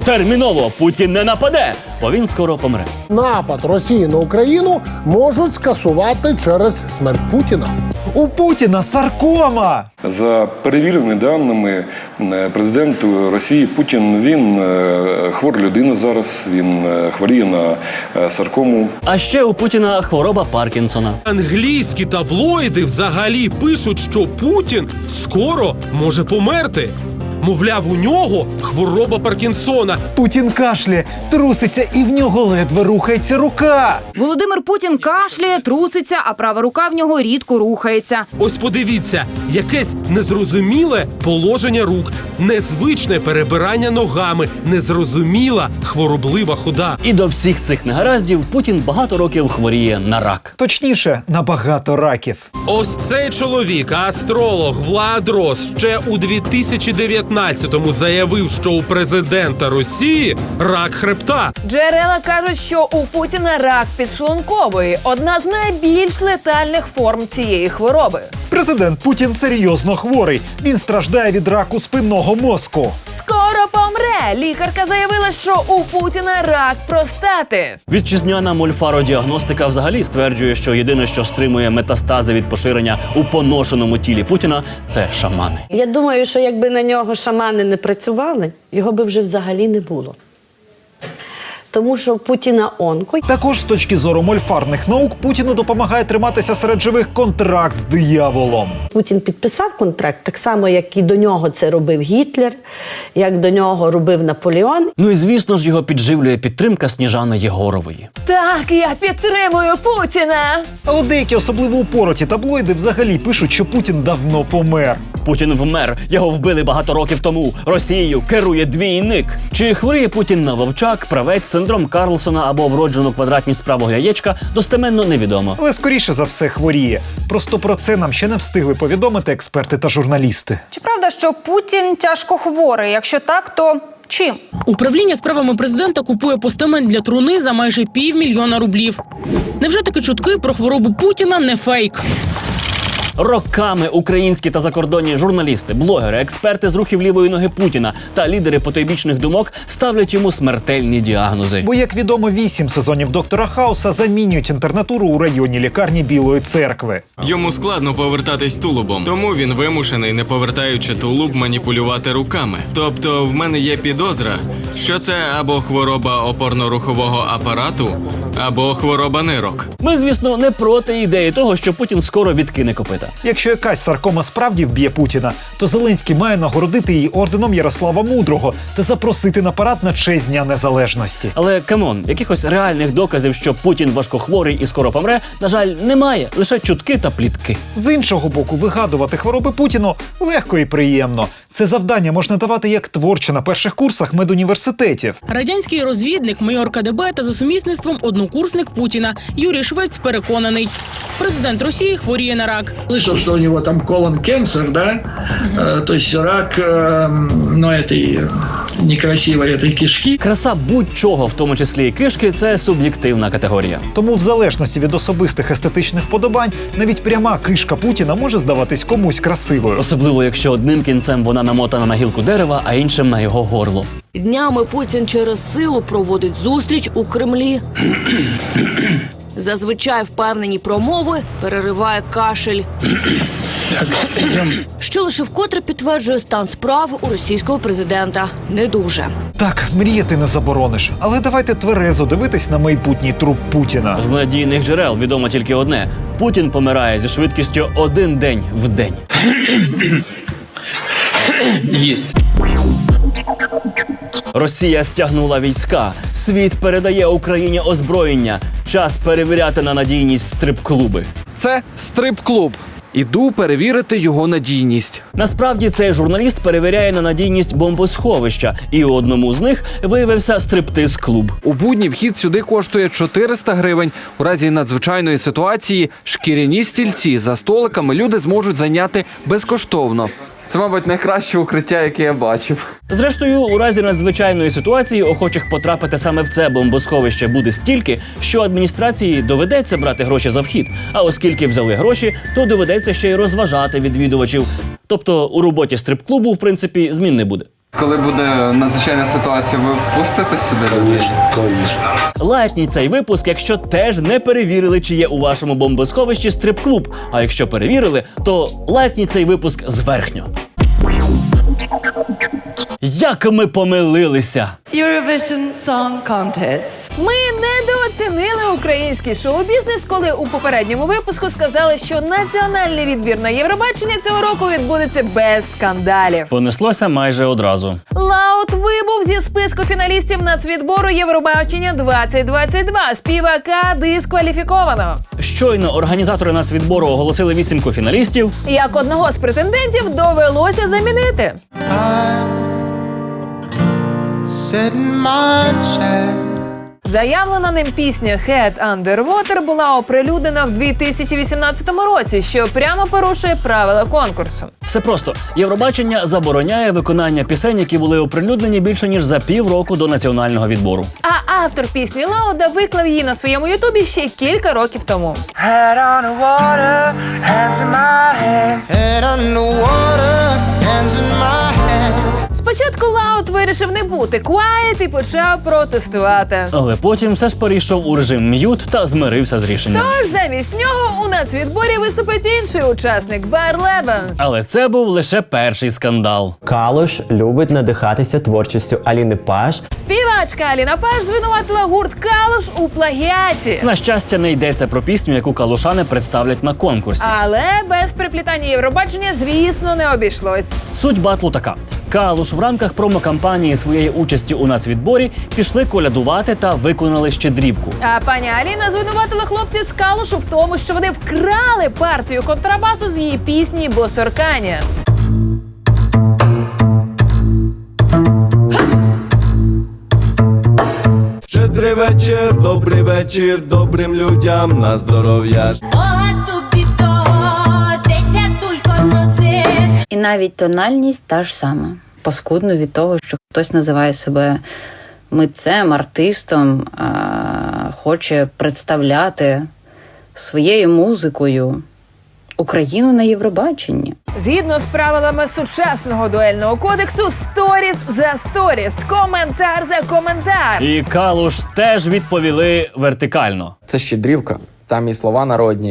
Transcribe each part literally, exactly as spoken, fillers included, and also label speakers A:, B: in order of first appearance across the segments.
A: Терміново Путін не нападе, бо він скоро помре.
B: Напад Росії на Україну можуть скасувати через смерть Путіна.
C: У Путіна саркома!
D: За перевіреними даними, президент Росії Путін, він хвора людина зараз, він хворіє на саркому.
A: А ще у Путіна хвороба Паркінсона.
E: Англійські таблоїди взагалі пишуть, що Путін скоро може померти. Мовляв, у нього хвороба Паркінсона.
C: Путін кашляє, труситься і в нього ледве рухається рука.
F: Володимир Путін кашляє, труситься, а права рука в нього рідко рухається.
E: Ось подивіться, якесь незрозуміле положення рук, незвичне перебирання ногами, незрозуміла хвороблива хода.
A: І до всіх цих негараздів Путін багато років хворіє на рак.
C: Точніше, на багато раків.
E: Ось цей чоловік, астролог Влад Рос, ще у дві тисячі дев'ятнадцятому заявив, що у президента Росії рак хребта.
G: Джерела кажуть, що у Путіна рак підшлункової – одна з найбільш летальних форм цієї хвороби.
C: Президент Путін серйозно хворий. Він страждає від раку спинного мозку.
G: Скоро помре! Лікарка заявила, що у Путіна рак простати.
A: Вітчизняна мольфародіагностика взагалі стверджує, що єдине, що стримує метастази від поширення у поношеному тілі Путіна – це шамани.
H: Я думаю, що якби на нього шамани не працювали, його би вже взагалі не було. Тому що в Путіна онко.
C: Також з точки зору мольфарних наук Путіну допомагає триматися серед живих контракт з дияволом.
H: Путін підписав контракт, так само, як і до нього це робив Гітлер, як до нього робив Наполеон.
A: Ну і звісно ж його підживлює підтримка Сніжани Єгорової.
G: Так, я підтримую Путіна!
C: А от деякі особливо упороті таблоїди взагалі пишуть, що Путін давно помер.
A: Путін вмер, його вбили багато років тому. Росією керує двійник. Чи хворіє Путін на вовчак, правець, синдром Карлсона або вроджену квадратність правого яєчка, достеменно невідомо.
C: Але скоріше за все хворіє. Просто про це нам ще не встигли повідомити експерти та журналісти.
I: Чи правда, що Путін тяжко хворий? Якщо так, то чим?
J: Управління справами президента купує постамент для труни за майже півмільйона рублів. Невже такі чутки про хворобу Путіна не фейк?
A: Роками українські та закордонні журналісти, блогери, експерти з рухів лівої ноги Путіна та лідери потойбічних думок ставлять йому смертельні діагнози.
C: Бо, як відомо, вісім сезонів «Доктора Хауса» замінюють інтернатуру у районній лікарні Білої Церкви.
K: Йому складно повертатись тулубом, тому він вимушений, не повертаючи тулуб, маніпулювати руками. Тобто в мене є підозра, що це або хвороба опорно-рухового апарату, або хвороба нирок.
A: Ми, звісно, не проти ідеї того, що Путін скоро відкине копита.
C: Якщо якась саркома справді вб'є Путіна, то Зеленський має нагородити її орденом Ярослава Мудрого та запросити на парад на честь Дня Незалежності.
A: Але, камон, якихось реальних доказів, що Путін важкохворий і скоро помре, на жаль, немає. Лише чутки та плітки.
C: З іншого боку, вигадувати хвороби Путіну легко і приємно. Це завдання можна давати як творче на перших курсах медуніверситетів.
J: Радянський розвідник, майор ка де бе та за сумісництвом однокурсник Путіна Юрій Швець переконаний. Президент Росії хворіє на рак.
L: Слышал, что у него там колон-кенсер, да? Угу. Э, то есть рак, э, ну, этой некрасивой этой кишки.
A: Краса будь-чого, в тому числі і кишки, це суб'єктивна категорія.
C: Тому в залежності від особистих естетичних вподобань, навіть пряма кишка Путіна може здаватись комусь красивою.
A: Особливо, якщо одним кінцем вона намотана на гілку дерева, а іншим на його горло.
M: Днями Путін через силу проводить зустріч у Кремлі. Зазвичай впевнені промови перериває кашель, що лише вкотре підтверджує стан справ у російського президента. Не дуже.
C: Так, мріяти не заборониш, але давайте тверезо дивитись на майбутній труп Путіна.
A: З надійних джерел відомо тільки одне. Путін помирає зі швидкістю один день в день.
L: Єсть.
A: Росія стягнула війська. Світ передає Україні озброєння. Час перевіряти на надійність стрип-клуби.
N: Це стрип-клуб. Іду перевірити його надійність.
A: Насправді цей журналіст перевіряє на надійність бомбосховища, і у одному з них виявився стриптиз-клуб.
N: У будні вхід сюди коштує чотириста гривень. У разі надзвичайної ситуації шкіряні стільці за столиками люди зможуть зайняти безкоштовно. Це, мабуть, найкраще укриття, яке я бачив.
A: Зрештою, у разі надзвичайної ситуації охочих потрапити саме в це бомбосховище буде стільки, що адміністрації доведеться брати гроші за вхід. А оскільки взяли гроші, то доведеться ще й розважати відвідувачів. Тобто у роботі стрип-клубу, в принципі, змін не буде.
N: Коли буде надзвичайна ситуація, ви пустите сюди людей?
A: Лайкніть цей випуск, якщо теж не перевірили, чи є у вашому бомбосховищі стрип-клуб. А якщо перевірили, то лайкніть цей випуск зверхньо. Як ми помилилися!
O: Eurovision Song Contest.
G: Ми недооцінили український шоу-бізнес, коли у попередньому випуску сказали, що національний відбір на Євробачення цього року відбудеться без скандалів.
A: Понеслося майже одразу.
G: Лаут вибув зі списку фіналістів нацвідбору Євробачення двадцять двадцять два. Співака дискваліфіковано.
A: Щойно організатори нацвідбору оголосили вісімку фіналістів.
G: Як одного з претендентів довелося замінити. Заявлена ним пісня «Head Under Water» була оприлюднена в дві тисячі вісімнадцятому році, що прямо порушує правила конкурсу.
A: Все просто. Євробачення забороняє виконання пісень, які були оприлюднені більше ніж за півроку до національного відбору.
G: А автор пісні Лауда виклав її на своєму ютубі ще кілька років тому.
O: Head on the water, hands in my head. Head on the water, hands in my head.
G: Спочатку Лауд вирішив не бути quiet і почав протестувати.
A: Але потім все ж перейшов у режим м'ют та змирився з рішенням.
G: Тож замість нього у нацвідборі виступить інший учасник – Барлебен.
A: Але це був лише перший скандал.
P: Калуш любить надихатися творчістю Аліни Паш.
G: Співачка Аліна Паш звинуватила гурт Калуш у плагіаті.
A: На щастя, не йдеться про пісню, яку калушани представлять на конкурсі.
G: Але без приплітання Євробачення, звісно, не обійшлось.
A: Суть батлу така. Калуш в рамках промо-кампанії своєї участі у нацвідборі пішли колядувати та виконали щедрівку.
G: А пані Аліна звинуватила хлопців з Калушу в тому, що вони вкрали партію контрабасу з її пісні «Босорканя».
Q: Щедрий вечір, добрий вечір, добрим людям на здоров'я.
R: І навіть тональність та ж сама. Паскудно від того, що хтось називає себе митцем, артистом, а хоче представляти своєю музикою Україну на Євробаченні.
G: Згідно з правилами сучасного дуельного кодексу, сторіс за сторіс, коментар за коментар.
A: І Калуш теж відповіли вертикально.
S: Це щедрівка. Там і слова народні,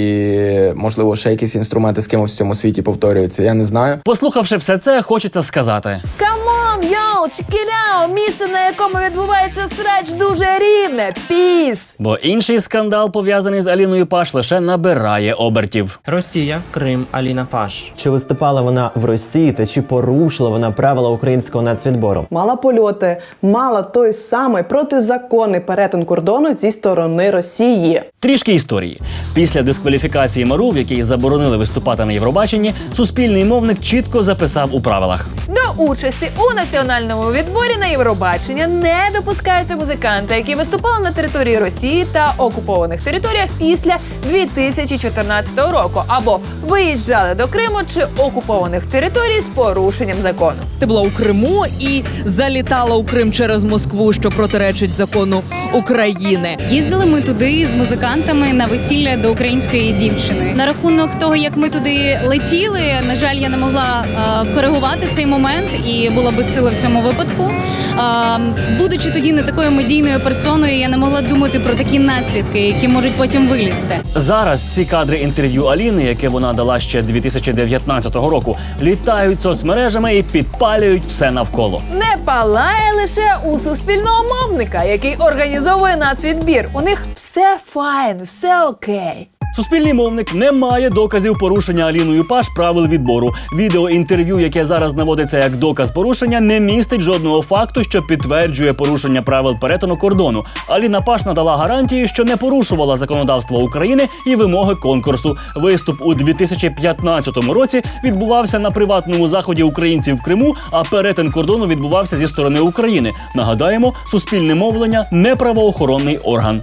S: і, можливо, ще якісь інструменти з кимось в цьому світі повторюються. Я не знаю.
A: Послухавши все це, хочеться сказати.
G: Камон, йоу, чекіляу, місце, на якому відбувається срач, дуже рівне. Піс!
A: Бо інший скандал, пов'язаний з Аліною Паш, лише набирає обертів.
P: Росія, Крим, Аліна Паш. Чи виступала вона в Росії та чи порушила вона правила українського нацвідбору?
T: Мала польоти, мала той самий протизаконний перетин кордону зі сторони Росії.
A: Трішки історії. Після дискваліфікації Мару, в якій заборонили виступати на Євробаченні, суспільний мовник чітко записав у правилах.
G: До участі у національному відборі на Євробачення не допускаються музиканти, які виступали на території Росії та окупованих територіях після дві тисячі чотирнадцятого року або виїжджали до Криму чи окупованих територій з порушенням закону.
U: Ти була у Криму і залітала у Крим через Москву, що протиречить закону України.
V: Їздили ми туди з музикантами на весілля до української дівчини. На рахунок того, як ми туди летіли, на жаль, я не могла е, коригувати цей момент і була безсила в цьому випадку. Е, будучи тоді не такою медійною персоною, я не могла думати про такі наслідки, які можуть потім вилізти.
A: Зараз ці кадри інтерв'ю Аліни, яке вона дала ще дві тисячі дев'ятнадцятого року, літають соцмережами і підпалюють все навколо.
G: Не палає лише у суспільного мовника, який організовує нацвідбір. У них все файн, все окей.
A: Суспільний мовник не має доказів порушення Аліною Паш правил відбору. Відеоінтерв'ю, яке зараз наводиться як доказ порушення, не містить жодного факту, що підтверджує порушення правил перетину кордону. Аліна Паш надала гарантії, що не порушувала законодавство України і вимоги конкурсу. Виступ у дві тисячі п'ятнадцятому році відбувався на приватному заході українців в Криму, а перетин кордону відбувався зі сторони України. Нагадаємо, суспільне мовлення – не правоохоронний орган.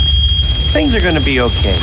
P: Things are gonna be okay.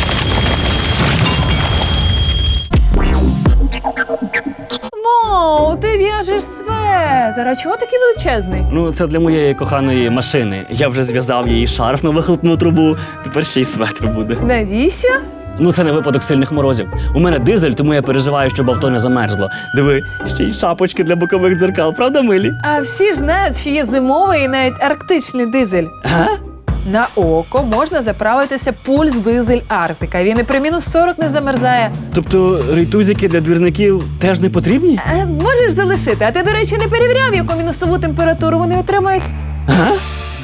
G: Воу, ти в'яжеш светр. А чого такий величезний?
A: Ну, це для моєї коханої машини. Я вже зв'язав їй шарф на вихлопну трубу, тепер ще й светр буде.
G: Навіщо?
A: Ну це не випадок сильних морозів. У мене дизель, тому я переживаю, щоб авто не замерзло. Диви, ще й шапочки для бокових дзеркал, правда, милі?
G: А всі ж знають, що є зимовий і навіть арктичний дизель.
A: Ага.
G: На око можна заправитися пульс дизель Арктика. Він і при мінус сорок не замерзає.
A: Тобто рейтузики для двірників теж не потрібні?
G: Е, можеш залишити. А ти, до речі, не перевіряв, яку мінусову температуру вони отримають?
A: Ага.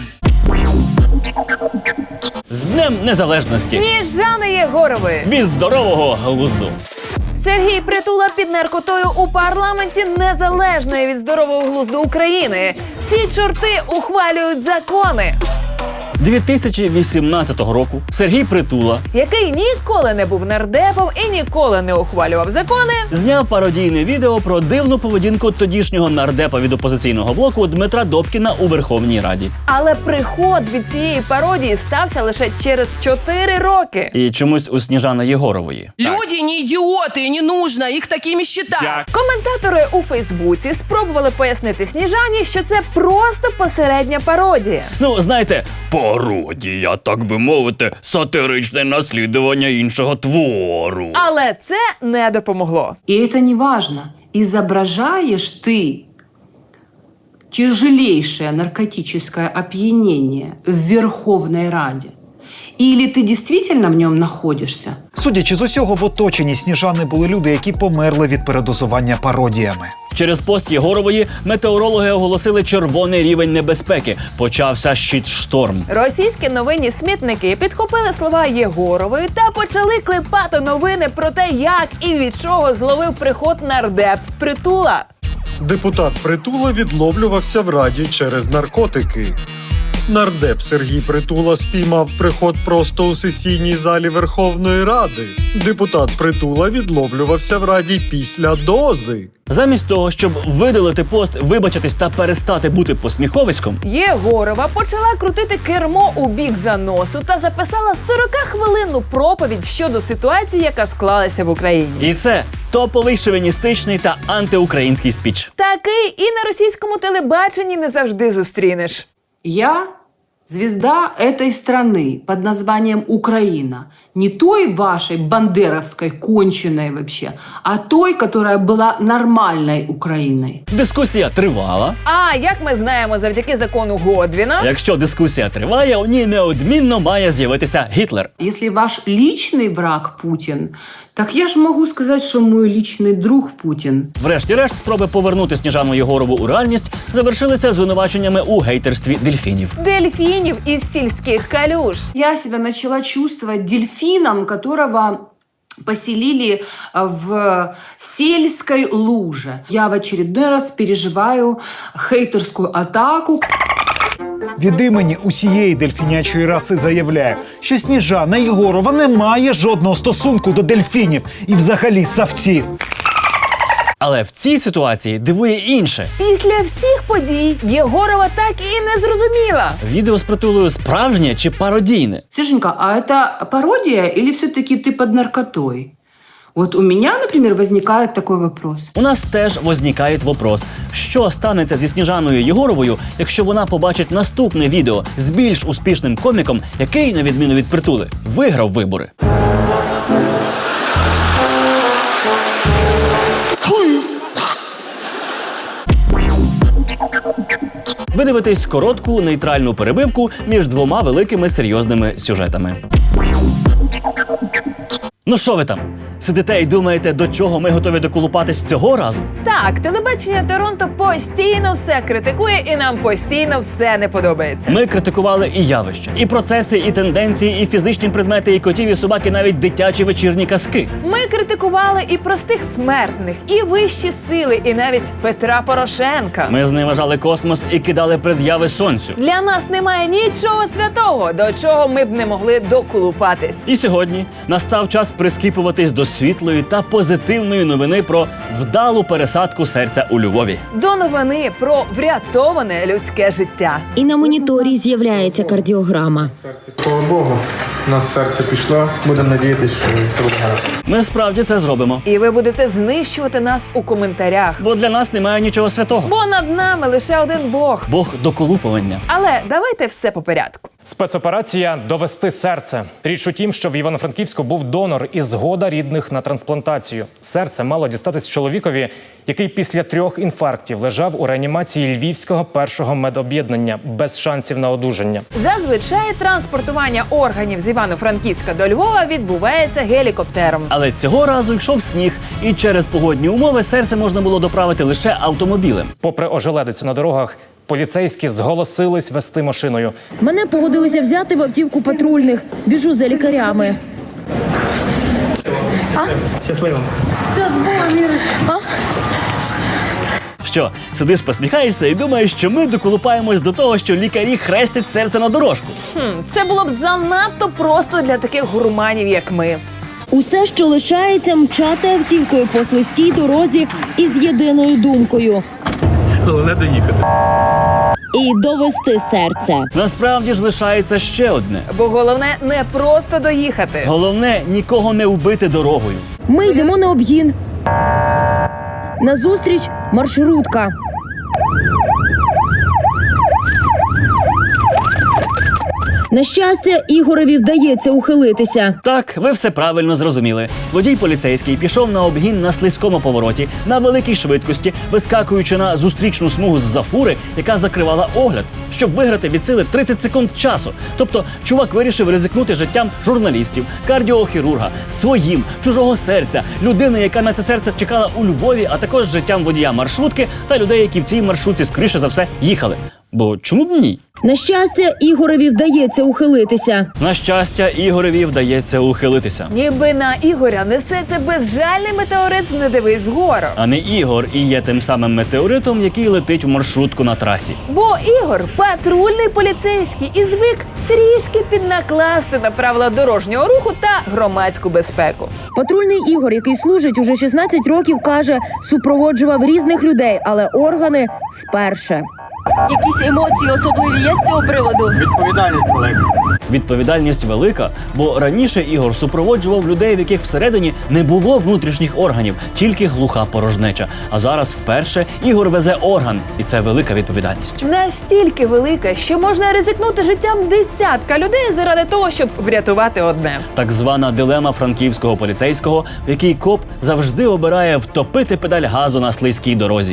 A: З Днем Незалежності!
G: Сніжани Єгорової!
A: Від здорового глузду!
G: Сергій Притула під наркотою у парламенті Незалежної від здорового глузду України. Ці чорти ухвалюють закони.
A: дві тисячі вісімнадцятого року Сергій Притула,
G: який ніколи не був нардепом і ніколи не ухвалював закони,
A: зняв пародійне відео про дивну поведінку тодішнього нардепа від опозиційного блоку Дмитра Добкіна у Верховній Раді.
G: Але приход від цієї пародії стався лише через чотири роки.
A: І чомусь у Сніжани Єгорової.
B: Люди не ідіоти, не нужно їх такими считати.
G: Коментатори у Фейсбуці спробували пояснити Сніжані, що це просто посередня пародія.
A: Ну, знаєте, пародія, так би мовити, сатиричне наслідування іншого твору.
G: Але це не допомогло.
B: И это не важно. Изображаешь ты тяжелейшее наркотическое опьянение в Верховной Раде, или ты действительно в нем находишься?
C: Судячи з усього, в оточенні Сніжани були люди, які померли від передозування пародіями.
A: Через пост Єгорової метеорологи оголосили червоний рівень небезпеки. Почався щит-шторм.
G: Російські новинні смітники підхопили слова Єгорової та почали клепати новини про те, як і від чого зловив приход нардеп Притула.
D: Депутат Притула відловлювався в Раді через наркотики. Нардеп Сергій Притула спіймав приход просто у сесійній залі Верховної Ради. Депутат Притула відловлювався в Раді після дози.
A: Замість того, щоб видалити пост, вибачитись та перестати бути посміховиськом,
G: Єгорова почала крутити кермо у бік заносу та записала сорокахвилинну проповідь щодо ситуації, яка склалася в Україні.
A: І це топовий шовіністичний та антиукраїнський спіч.
G: Такий і на російському телебаченні не завжди зустрінеш.
B: Я звезда этой страны под названием Украина. Не той вашей бандеровской, конченой вообще, а той, которая была нормальной Украиной.
A: Дискусія тривала.
G: А, як ми знаємо, завдяки закону Годвіна...
A: Якщо дискусія триває, у ній неодмінно має з'явитися Гітлер.
B: Если ваш личный враг Путин, так я ж могу сказать, что мой личный друг Путин.
A: Врешті-решт, спроби повернути Сніжану Єгорову у реальність завершилися звинуваченнями у гейтерстві дельфінів.
G: Дельфінів із сільських калюж.
B: Я себя начала чувствовать дельфином, которого поселили в сельской луже. Я в очередной раз переживаю хейтерскую атаку.
C: Від імені усієї дельфінячої раси заявляю, що Сніжана Єгорова не має жодного стосунку до дельфінів і взагалі савців.
A: Але в цій ситуації дивує інше.
G: Після всіх подій Єгорова так і не зрозуміла.
A: Відео з Притулою справжнє чи пародійне?
B: Серженька, а это пародия или все-таки ты под наркотой? Вот у меня, например, возникает такой вопрос.
A: У нас теж возникає вопрос. Що станеться зі Сніжаною Єгоровою, якщо вона побачить наступне відео з більш успішним коміком, який, на відміну від Притули, виграв вибори? Ви дивитесь коротку нейтральну перебивку між двома великими серйозними сюжетами. Ну що ви там? Сидите і думаєте, до чого ми готові доколупатись цього разу?
G: Так, телебачення Торонто постійно все критикує і нам постійно все не подобається.
A: Ми критикували і явища, і процеси, і тенденції, і фізичні предмети, і котів, і собаки, навіть дитячі вечірні казки.
G: Ми критикували і простих смертних, і вищі сили, і навіть Петра Порошенка.
A: Ми зневажали космос і кидали пред'яви сонцю.
G: Для нас немає нічого святого, до чого ми б не могли доколупатись.
A: І сьогодні настав час прискіпуватись до світлої та позитивної новини про вдалу пересадку серця у Львові.
G: До новини про врятоване людське життя.
W: І на моніторі з'являється кардіограма.
X: Слава Богу, у нас серце пішло, будемо надіятися, що все буде гаразд.
A: Ми справді це зробимо.
G: І ви будете знищувати нас у коментарях.
A: Бо для нас немає нічого святого.
G: Бо над нами лише один Бог.
A: Бог доколупування.
G: Але давайте все по порядку.
E: Спецоперація «Довести серце». Річ у тім, що в Івано-Франківську був донор і згода рідних на трансплантацію. Серце мало дістатись чоловікові, який після трьох інфарктів лежав у реанімації Львівського першого медоб'єднання без шансів на одужання.
G: Зазвичай транспортування органів з Івано-Франківська до Львова відбувається гелікоптером.
A: Але цього разу йшов сніг, і через погодні умови серце можна було доправити лише автомобілем.
E: Попри ожеледицю на дорогах, поліцейські зголосились вести машиною.
W: Мене погодилися взяти в автівку патрульних. Біжу за лікарями.
X: Щасливо.
W: Все, з Богом, Ірочка. А?
A: Що, сидиш, посміхаєшся і думаєш, що ми доколупаємось до того, що лікарі хрестять серце на дорожку.
G: Хм, це було б занадто просто для таких гурманів, як ми.
W: Усе, що лишається, мчати автівкою по слизькій дорозі із єдиною думкою.
X: Головне доїхати.
W: І довести серце.
A: Насправді ж лишається ще одне.
G: Бо головне не просто доїхати.
A: Головне – нікого не вбити дорогою.
W: Ми йдемо на обгін. Назустріч маршрутка. На щастя, Ігореві вдається ухилитися.
A: Так, ви все правильно зрозуміли. Водій поліцейський пішов на обгін на слизькому повороті, на великій швидкості, вискакуючи на зустрічну смугу з-за фури, яка закривала огляд, щоб виграти від сили тридцять секунд часу. Тобто, чувак вирішив ризикнути життям журналістів, кардіохірурга, своїм, чужого серця, людини, яка на це серце чекала у Львові, а також життям водія маршрутки та людей, які в цій маршрутці, скоріше за все, їхали. Бо чому б ні?
W: На щастя, Ігореві вдається ухилитися.
A: На щастя, Ігореві вдається ухилитися.
G: Ніби на Ігоря несеться безжальний метеорит з «Не дивись вгору».
A: А не Ігор і є тим самим метеоритом, який летить в маршрутку на трасі.
G: Бо Ігор – патрульний поліцейський і звик трішки піднакласти на правила дорожнього руху та громадську безпеку.
W: Патрульний Ігор, який служить уже шістнадцять років, каже, супроводжував різних людей, але органи вперше.
M: Якісь емоції особливі є з цього приводу?
X: Відповідальність велика.
A: Відповідальність велика, бо раніше Ігор супроводжував людей, в яких всередині не було внутрішніх органів, тільки глуха порожнеча. А зараз вперше Ігор везе орган, і це велика відповідальність.
G: Настільки велика, що можна ризикнути життям десятка людей заради того, щоб врятувати одне.
A: Так звана дилема франківського поліцейського, в якій коп завжди обирає втопити педаль газу на слизькій дорозі.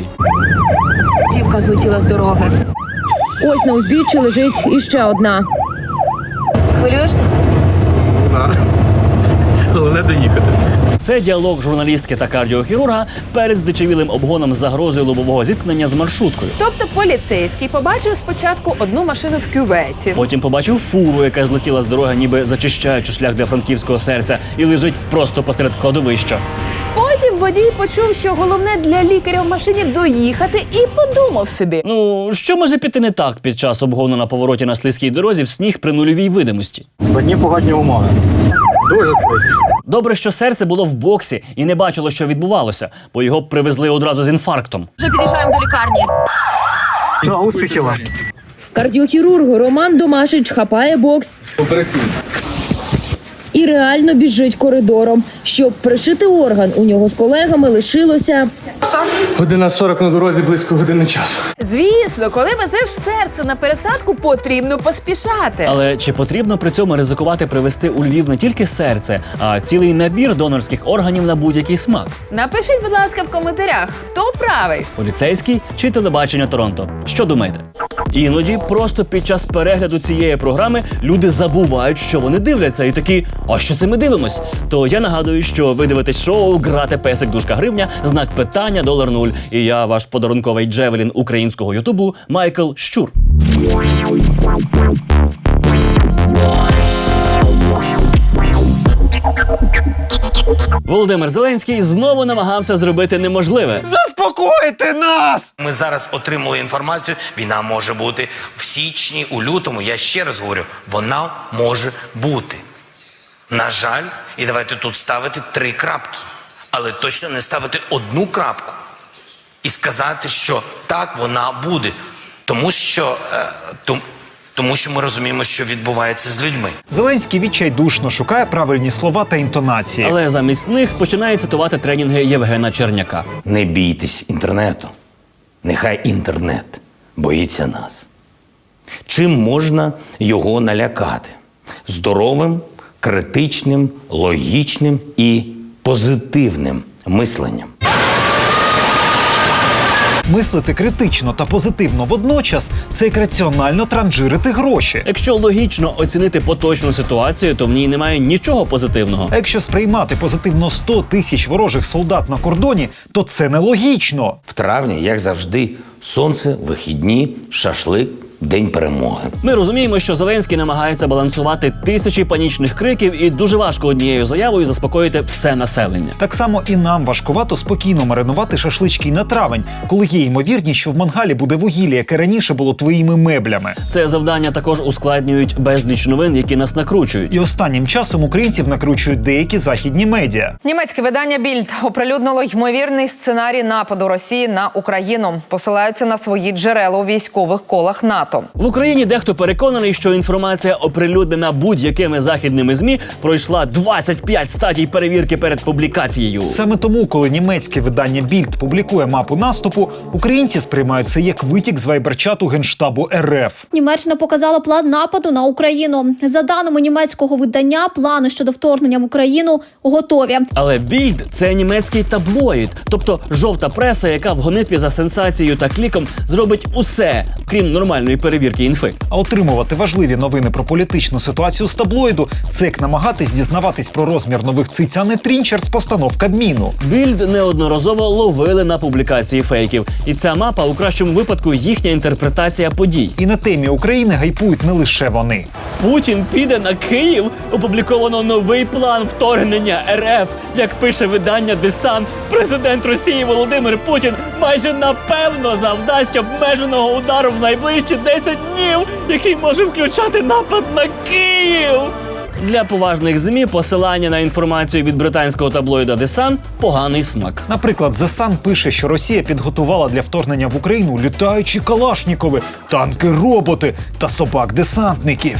W: Автівка злетіла з дороги. Ось на узбіччі лежить іще одна.
M: Хвилюєшся?
X: Так. Головне доїхати.
A: Це діалог журналістки та кардіохірурга перед здичавілим обгоном з загрозою лобового зіткнення з маршруткою.
G: Тобто поліцейський побачив спочатку одну машину в кюветі.
A: Потім побачив фуру, яка злетіла з дороги, ніби зачищаючи шлях для франківського серця, і лежить просто посеред кладовища.
G: Потім водій почув, що головне для лікаря в машині доїхати, і подумав собі.
A: Ну, що може піти не так під час обгону на повороті на слизькій дорозі в сніг при нульовій видимості?
X: Складні погодні умови. Дуже слизько.
A: Добре, що серце було в боксі і не бачило, що відбувалося, бо його привезли одразу з інфарктом.
M: Вже під'їжджаємо до лікарні.
X: Ну, успіхів вам.
W: Кардіохірург Роман Домашич хапає бокс
X: Операційно.
W: і реально біжить коридором. Щоб пришити орган, у нього з колегами лишилося...
X: Година сорок на дорозі, близько години часу.
G: Звісно, коли везеш серце на пересадку, потрібно поспішати.
A: Але чи потрібно при цьому ризикувати привезти у Львів не тільки серце, а цілий набір донорських органів на будь-який смак?
G: Напишіть, будь ласка, в коментарях, хто правий?
A: Поліцейський чи телебачення Торонто? Що думаєте? Іноді просто під час перегляду цієї програми люди забувають, що вони дивляться, і такі, а що це ми дивимось? То я нагадую, що ви дивитесь шоу «Грати песик дужка гривня», знак питання долар нуль. І я, ваш подарунковий джевелін українського ютубу Майкл Щур. Володимир Зеленський знову намагався зробити неможливе.
C: Заспокойте нас!
F: Ми зараз отримали інформацію, війна може бути в січні, у лютому. Я ще раз говорю, вона може бути. На жаль, і давайте тут ставити три крапки. Але точно не ставити одну крапку. І сказати, що так, вона буде. Тому що, е, тому, тому що ми розуміємо, що відбувається з людьми.
C: Зеленський відчайдушно шукає правильні слова та інтонації.
A: Але замість них починає цитувати тренінги Євгена Черняка.
F: Не бійтесь інтернету. Нехай інтернет боїться нас. Чим можна його налякати? Здоровим, критичним, логічним і позитивним мисленням.
C: Мислити критично та позитивно водночас – це як раціонально транжирити гроші.
A: Якщо логічно оцінити поточну ситуацію, то в ній немає нічого позитивного.
C: А якщо сприймати позитивно сто тисяч ворожих солдат на кордоні, то це нелогічно.
F: В травні, як завжди, сонце, вихідні, шашлик, День перемоги.
A: Ми розуміємо, що Зеленський намагається балансувати тисячі панічних криків і дуже важко однією заявою заспокоїти все населення.
C: Так само і нам важкувато спокійно маринувати шашлички на травень, коли є ймовірність, що в мангалі буде вугілля, яке раніше було твоїми меблями.
A: Це завдання також ускладнюють безліч новин, які нас накручують.
C: І останнім часом українців накручують деякі західні медіа.
H: Німецьке видання «Більд» оприлюднило ймовірний сценарій нападу Росії на Україну. Посилаються на свої джерела у військових колах НАТО.
A: В Україні дехто переконаний, що інформація, оприлюднена будь-якими західними ЗМІ, пройшла двадцять п'ять стадій перевірки перед публікацією.
C: Саме тому, коли німецьке видання «Більд» публікує мапу наступу, українці сприймають це як витік з вайберчату Генштабу РФ.
I: Німеччина показала план нападу на Україну. За даними німецького видання, плани щодо вторгнення в Україну готові.
A: Але «Більд» – це німецький таблоїд, тобто жовта преса, яка в гонитві за сенсацією та кліком зробить усе, крім нормальної перевірки інфи.
C: А отримувати важливі новини про політичну ситуацію з таблоїду – це як намагатись дізнаватись про розмір нових циць, а не трінчер з постанов Кабміну.
A: «Більд» неодноразово ловили на публікації фейків. І ця мапа, у кращому випадку, їхня інтерпретація подій.
C: І на темі України гайпують не лише вони.
A: Путін піде на Київ? Опубліковано новий план вторгнення РФ. Як пише видання «Десан», президент Росії Володимир Путін майже напевно завдасть обмеженого удару в найближчі десять днів, який може включати напад на Київ. Для поважних ЗМІ посилання на інформацію від британського таблоїда «Десан» – поганий смак.
C: Наприклад, The Sun пише, що Росія підготувала для вторгнення в Україну літаючі калашнікови, танки-роботи та собак-десантників.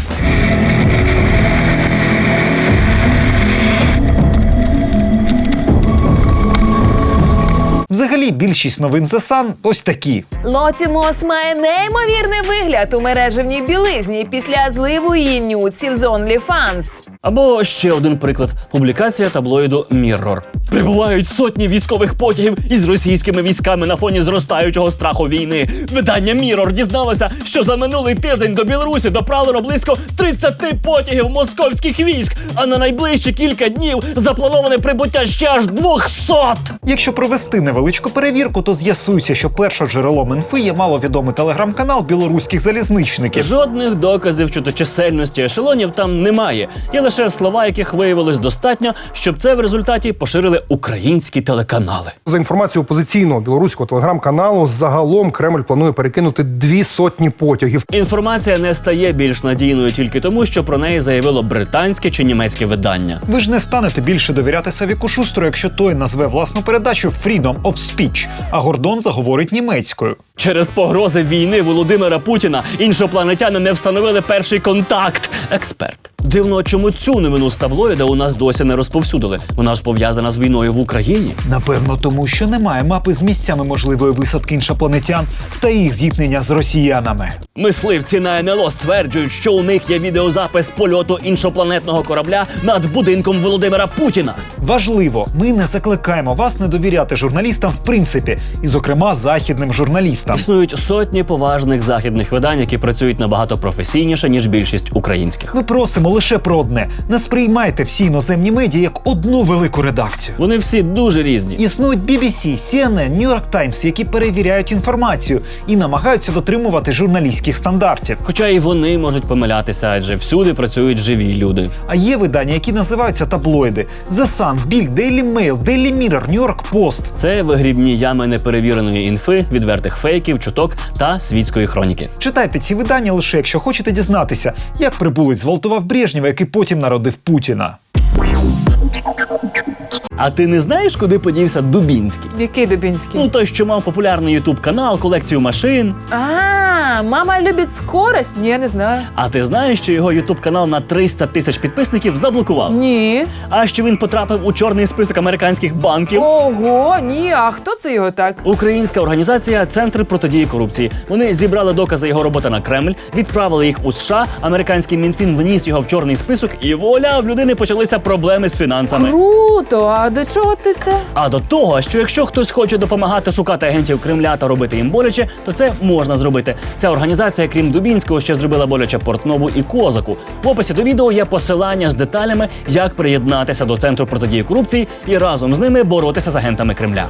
C: Взагалі, більшість новин The Sun ось такі.
G: Лоті Мос має неймовірний вигляд у мережевній білизні після зливу її нюців з OnlyFans.
A: Або ще один приклад – публікація таблоїду Mirror. Прибувають сотні військових потягів із російськими військами на фоні зростаючого страху війни. Видання Mirror дізналося, що за минулий тиждень до Білорусі доправлено близько тридцять потягів московських військ, а на найближчі кілька днів заплановане прибуття ще аж двісті.
C: Якщо провести невеличку перевірку, то з'ясується, що першоджерелом інфи є маловідомий телеграм-канал білоруських залізничників.
A: Жодних доказів щодо чисельності ешелонів там немає. Є лише слова, яких виявилось достатньо, щоб це в результаті поширили українські телеканали.
J: За інформацією опозиційного білоруського телеграм-каналу, загалом Кремль планує перекинути дві сотні потягів.
A: Інформація не стає більш надійною тільки тому, що про неї заявило британське чи німецьке видання.
C: Ви ж не станете більше довіряти Савіку Шустру, якщо той назве власну передачу «Freedom of Speech», а Гордон заговорить німецькою.
A: Через погрози війни Володимира Путіна іншопланетяни не встановили перший контакт. Експерт. Дивно, чому цю новину з таблоїда у нас досі не розповсюдили. Вона ж пов'язана з війною в Україні.
C: Напевно, тому що немає мапи з місцями можливої висадки іншопланетян та їх зіткнення з росіянами.
A: Мисливці на ен ел о стверджують, що у них є відеозапис польоту іншопланетного корабля над будинком Володимира Путіна.
C: Важливо, ми не закликаємо вас не довіряти журналістам в принципі, і зокрема західним журналістам.
A: Існують сотні поважних західних видань, які працюють набагато професійніше, ніж більшість українських.
C: Ми просимо лише про одне. Не сприймайте всі іноземні медіа як одну велику редакцію.
A: Вони всі дуже різні.
C: Існують бі бі сі, сі ен ен, New York Times, які перевіряють інформацію і намагаються дотримувати журналістських стандартів.
A: Хоча і вони можуть помилятися, адже всюди працюють живі люди.
C: А є видання, які називаються таблоїди. The Sun, Bild, Daily Mail, Daily Mirror, New York Post.
A: Це вигрібні ями неперевіреної інфи, відвертих фейків, чуток та світської хроніки.
C: Читайте ці видання лише, якщо хочете дізнатися, як прибулець зґвалтував Брежнєва, який потім народив Путіна.
A: А ти не знаєш, куди подівся Дубінський?
G: Який Дубінський?
A: Ну, той, що мав популярний ютуб-канал, колекцію машин.
G: А, мама любить скорость? Ні, я не знаю.
A: А ти знаєш, що його ютуб-канал на триста тисяч підписників заблокував?
G: Ні.
A: А що він потрапив у чорний список американських банків?
G: Ого, ні, а хто це його так?
A: Українська організація «Центр протидії корупції». Вони зібрали докази його роботи на Кремль, відправили їх у США, американський Мінфін вніс його в чорний список, і вуаля, в людини почалися проблеми з фінансами.
G: Круто! А до чого ти це?
A: А до того, що якщо хтось хоче допомагати шукати агентів Кремля та робити їм боляче, то це можна зробити. Ця організація, крім Дубінського, ще зробила боляче Портнову і Козаку. В описі до відео є посилання з деталями, як приєднатися до Центру протидії корупції і разом з ними боротися з агентами Кремля.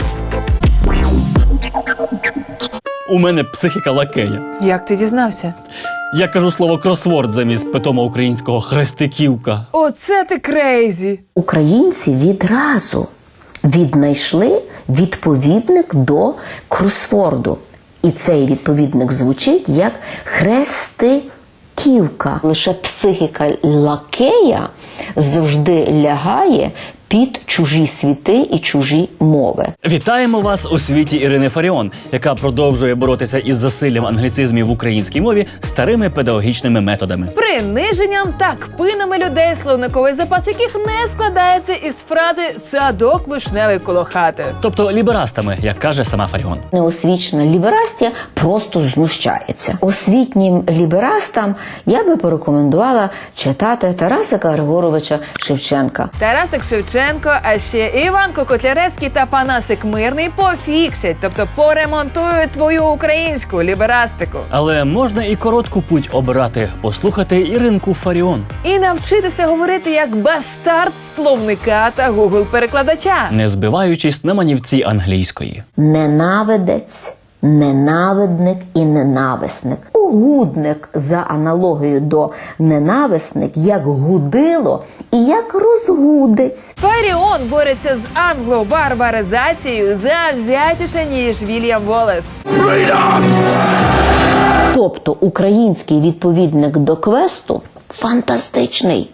A: У мене психіка лакея.
G: Як ти дізнався?
A: Я кажу слово кросворд замість питома українського хрестиківка.
G: Оце ти крейзі!
K: Українці відразу віднайшли відповідник до кросворду. І цей відповідник звучить як хрестиківка. Лише психіка лакея завжди лягає під чужі світи і чужі мови.
A: Вітаємо вас у світі Ірини Фаріон, яка продовжує боротися із засиллям англіцизмів в українській мові старими педагогічними методами.
G: Приниженням та кпинами людей, словниковий запас яких не складається із фрази «садок вишневий коло хати».
A: Тобто ліберастами, як каже сама Фаріон.
K: Неосвічена ліберастія просто знущається. Освітнім ліберастам я би порекомендувала читати Тарасика Григоровича Шевченка.
G: Тарасик Шевченко, а ще Іванко Котляревський та Панасик Мирний пофіксять, тобто поремонтують твою українську ліберастику.
A: Але можна і коротку путь обирати, послухати Іринку Фаріон.
G: І навчитися говорити як бастард словника та гугл-перекладача.
A: Не збиваючись на манівці англійської.
K: Ненавидець, ненавидник і ненависник. Угудник за аналогією до ненависник як гудило і як розгудець.
G: Фаріон бореться з англо-барбаризацією завзятіше, ніж Вільям Волес.
K: Тобто український відповідник до квесту фантастичний.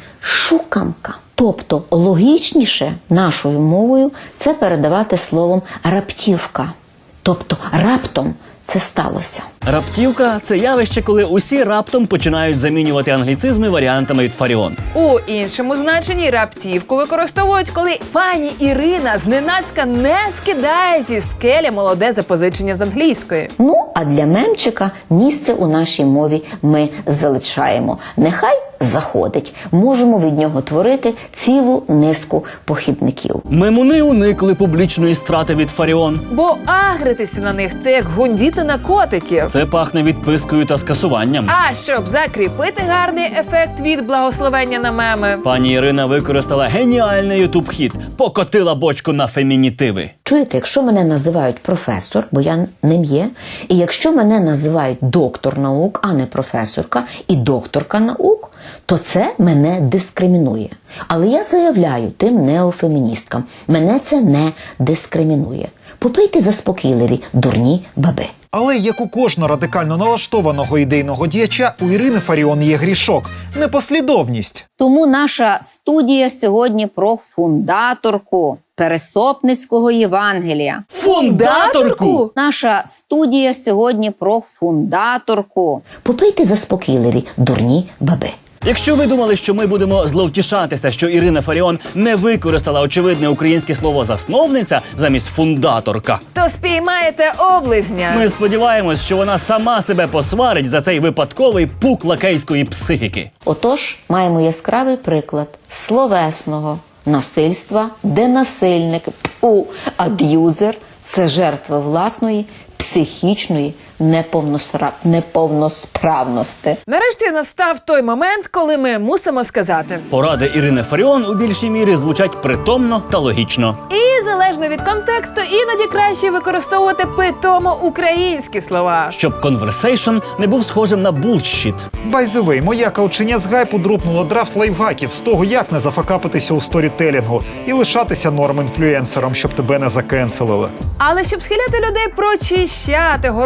K: Шуканка. Тобто логічніше нашою мовою це передавати словом раптівка. Тобто раптом це сталося.
A: Раптівка – це явище, коли усі раптом починають замінювати англіцизми варіантами від Фаріон.
G: У іншому значенні раптівку використовують, коли пані Ірина зненацька не скидає зі скелі молоде запозичення з англійської.
K: Ну, а для мемчика місце у нашій мові ми залишаємо. Нехай заходить. Можемо від нього творити цілу низку похідників.
A: Мемуни уникли публічної страти від Фаріон.
G: Бо агритися на них – це як гундіти на котиків.
A: Це пахне відпискою та скасуванням.
G: А щоб закріпити гарний ефект від благословення на меми,
A: пані Ірина використала геніальний ютуб-хіт «Покотила бочку на фемінітиви».
K: Чуєте, якщо мене називають професор, бо я ним є, і якщо мене називають доктор наук, а не професорка, і докторка наук, то це мене дискримінує. Але я заявляю тим неофеміністкам, мене це не дискримінує. Попийте заспокійливі, дурні баби.
C: Але як у кожного радикально налаштованого ідейного діяча, у Ірини Фаріон є грішок – непослідовність.
R: Тому наша студія сьогодні про фундаторку Пересопницького Євангелія.
A: Фундаторку?
R: Наша студія сьогодні про фундаторку.
K: Попийте заспокійливі, дурні баби.
A: Якщо ви думали, що ми будемо зловтішатися, що Ірина Фаріон не використала очевидне українське слово «засновниця» замість «фундаторка»,
G: то спіймаєте облизня.
A: ми сподіваємось, що вона сама себе посварить за цей випадковий пук лакейської психіки.
K: Отож, маємо яскравий приклад словесного насильства, де насильник, у ад'юзер – це жертва власної психічної неповносра... неповносправності.
G: Нарешті настав той момент, коли ми мусимо сказати.
A: Поради Ірини Фаріон у більшій мірі звучать притомно та логічно.
G: І залежно від контексту, іноді краще використовувати питомо українські слова.
A: Щоб конверсейшн не був схожим на булшіт.
C: By the way, моя каучиня з гайпу дропнула драфт лайфхаків з того, як не зафакапитися у сторітелінгу і лишатися норм-інфлюенсером, щоб тебе не закенселили.
G: Але щоб схиляти людей прочищати город свого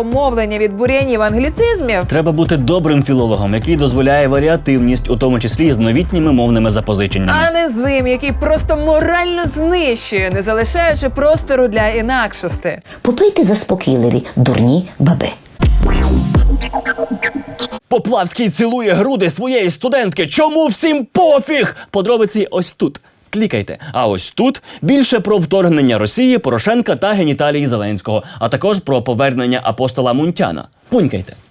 G: мовлення від бур'янів англіцизмів.
A: Треба бути добрим філологом, який дозволяє варіативність, у тому числі з новітніми мовними запозиченнями.
G: А не злим, який просто морально знищує, не залишаючи простору для інакшості.
K: Попийте заспокійливі, дурні баби.
A: Поплавський цілує груди своєї студентки. Чому всім пофіг? Подробиці ось тут. Клікайте. А ось тут більше про вторгнення Росії, Порошенка та геніталії Зеленського, а також про повернення апостола Мунтяна. Пунькайте.